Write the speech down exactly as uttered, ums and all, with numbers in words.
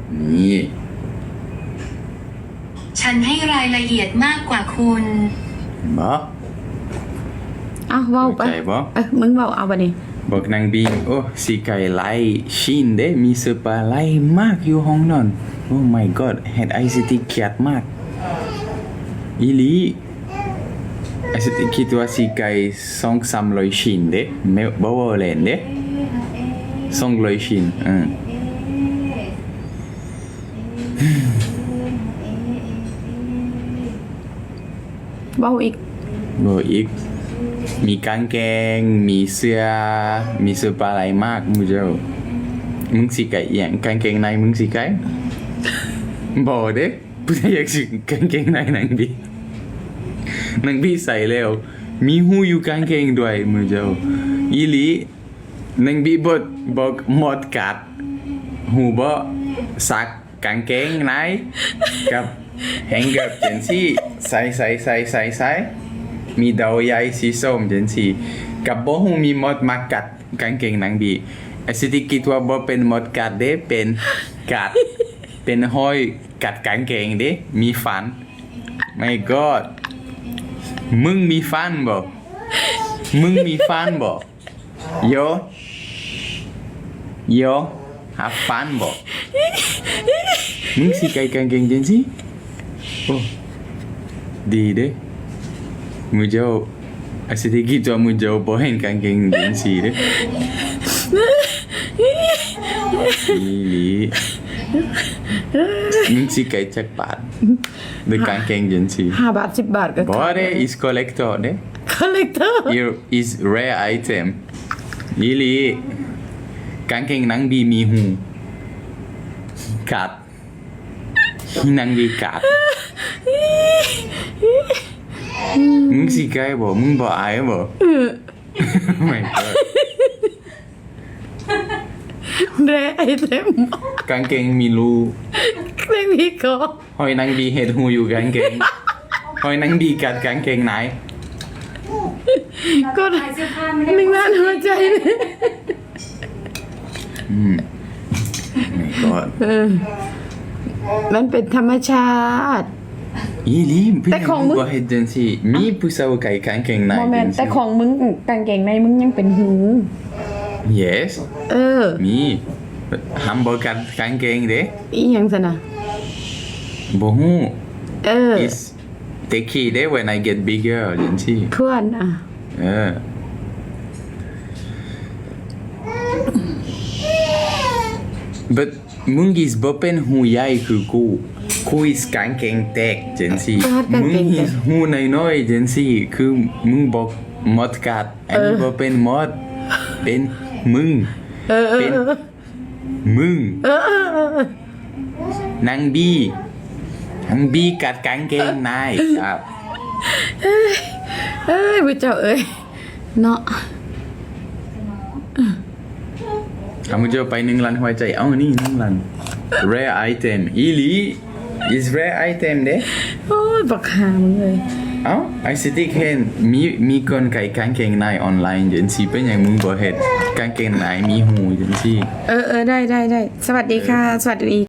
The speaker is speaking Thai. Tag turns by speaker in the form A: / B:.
A: นี่
B: ฉันให้รายละเอียดมากกว่าคุณ
A: บ่
C: อ้าวเว้าไปเอ้ยมึงเว้าเอาบัดนี้
A: บอกนางบีโอ้สีไก่ไล่ชินเด้มีเสื้อผ้าไล่มากอยู่ห้องนอนโอ้ my god เฮ็ดไอซิตี้เกลียดมากอีหลีไอซิตี้คิดว่าสีไก่สองสามร้อยชิ้นเด้ไม่บ่ว่าเล่นเด้สองร้อยชิ้นอืม
C: เว้าอีก
A: เว้าอีกมีกางเกงมีเสื้อมีเสื้อผ้าหลายมากมึงเจ้ามึงสิไก่อหยังกางเกงในมึงสิไก่บ่เด้ผู้ใดอยากสิกางเกงในนางบีนางบีใส่แล้วมีหูอยู่กางเกงด้วยมึงเจ้าอีหลีนางบีบ่บอกหมดกัดหูบ่ซักกางเกงในกับแฮงเกอร์จังซี่ใส่ใส่ใส่ใส่ใส่มีดาวใหญ่สีส้มจังซี่กับบ่ฮู้มีมดมากัดกางเกงนางบีไอ้สิที่คิดว่าบ่เป็นมดกัดเด้เป็นกัดเป็นห้อยกัดกางเกงเด้มีฟัน my god มึงมีฟันบ่มึงมีฟันบ่โยโยหาฟันบ่มึงสิไก่กางเกงจังซี่โอ้ดีเด้มึงเจ้าไอ้สิที่คิดว่ามึงเจ้าบ่เห็นกางเกงจังซี่เด้อีหลีมึงสิไก่จักบาทด้วยกางเกงจังซี่
C: ห้าบาทสิบบาทก็
A: บ่เด้ is collector เด้
C: collector
A: is rare item อีหลีกางเกงนางบีมีหูกัดนางบีกัดมึงสิไก่บ่มึงบ่อายบ่ไม่ก็
C: แร่ไอเต็ม
A: กางเกงมีรู
C: ไม่มีคอ
A: หอยนางบีเฮ็ดหูอยู่กางเกงหอยนางบีกัดกางเกงไหน
C: ก็หนึ่งล้านหัวใจเลย
A: อืมไม่ก็
C: มันเป็นธรรมชาติ
A: อีหลีแต่ของมึงก็เฮ็ดจังซี่มีผู้สาวไก่กางเกงใน
C: บ่แม่นแต่ของมึงกางเกงในมึงยังเป็นหู
A: yes
C: เออ
A: มีห้ามบ่กัดกางเกงเด้
C: อีหยังซั่นน่ะ
A: บ่ฮู้
C: เออ
A: is take it day when I get bigger จังซี่
C: ควรอ่ะ
A: เออ but มึง is บ่เป็นหูใหญ่คือกูกู is กางเกงแตกจังซี่มึง is หูน้อยๆจังซี่คือมึงบอกมดกัดอันนี้บ่เป็นมดเป็นมึงเป็นมึงนางบีนางบีกัดกางเกงในครับ
C: เอ้ยเอ้ยผู้เจ้าเอ้ยเนาะ
A: ทำมึงจะไปหนึ่งล้านหัวใจเอ้านี่หนึ่งล้าน rare item อีหลี is rare item เด้
C: โอ้ยบักหามึงเลย
A: เอ้าไอซิตี้เคนมีมีคนไก่กางเกงในออนไลน์จังซี่เป็นอย่างมึงบ่เฮ็ดกางเกงในมีหูจังซี่
C: เออเออได้ได้ได้สวัสดีค่ะสวัสดี